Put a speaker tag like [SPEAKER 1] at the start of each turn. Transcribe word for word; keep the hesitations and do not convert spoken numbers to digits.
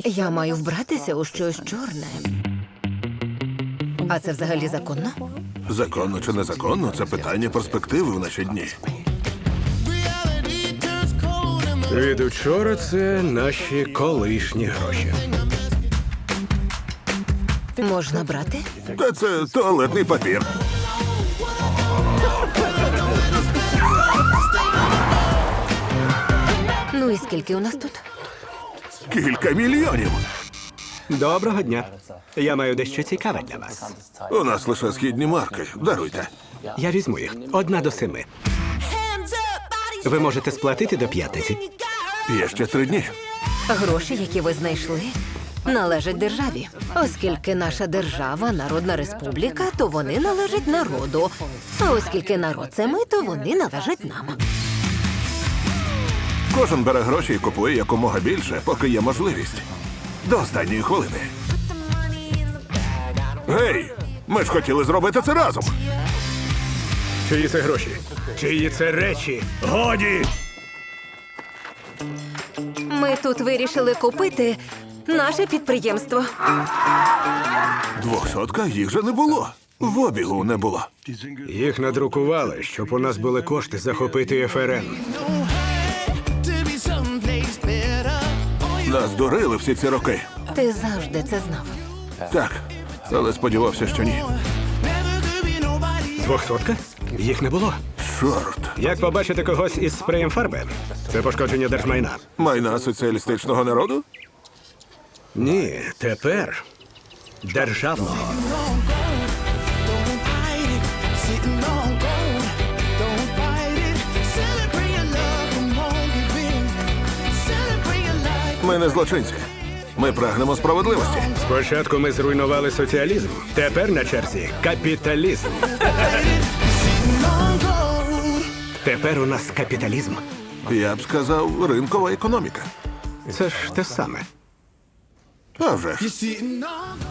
[SPEAKER 1] Я маю вбратися у щось чорне. А це взагалі законно?
[SPEAKER 2] Законно чи незаконно – це питання перспективи в наші дні.
[SPEAKER 3] Від учора це наші колишні гроші.
[SPEAKER 1] Можна брати?
[SPEAKER 2] Та це туалетний папір.
[SPEAKER 1] Ну і скільки у нас тут?
[SPEAKER 2] Кілька мільйонів.
[SPEAKER 3] Доброго дня. Я маю дещо цікаве для вас.
[SPEAKER 2] У нас лише східні марки. Даруйте.
[SPEAKER 3] Я візьму їх. Одна до семи. Ви можете сплатити до п'ятниці.
[SPEAKER 2] Є ще три дні.
[SPEAKER 1] Гроші, які ви знайшли, належать державі. Оскільки наша держава – народна республіка, то вони належать народу. А оскільки народ – це ми, то вони належать нам.
[SPEAKER 2] Кожен бере гроші і купує якомога більше, поки є можливість. До останньої хвилини. Гей! Ми ж хотіли зробити це разом.
[SPEAKER 3] Чиї це гроші? Чиї це речі? Годі!
[SPEAKER 1] Ми тут вирішили купити наше підприємство.
[SPEAKER 2] Двохсотка їх же не було. В обігу не було.
[SPEAKER 3] Їх надрукували, щоб у нас були кошти захопити еф ер ен.
[SPEAKER 2] Нас дурили всі ці роки.
[SPEAKER 1] Ти завжди це знав.
[SPEAKER 2] Так, але сподівався, що ні.
[SPEAKER 3] Двохсотка? Їх не було.
[SPEAKER 2] Чорт.
[SPEAKER 3] Як побачити когось із спреєм фарби? Це пошкодження держмайна.
[SPEAKER 2] Майна соціалістичного народу?
[SPEAKER 3] Ні, тепер державного.
[SPEAKER 2] Ми не злочинці. Ми прагнемо справедливості.
[SPEAKER 3] Спочатку ми зруйнували соціалізм. Тепер на черзі капіталізм. Тепер у нас капіталізм.
[SPEAKER 2] Я б сказав, ринкова економіка.
[SPEAKER 3] Це ж те саме.
[SPEAKER 2] А вже ж.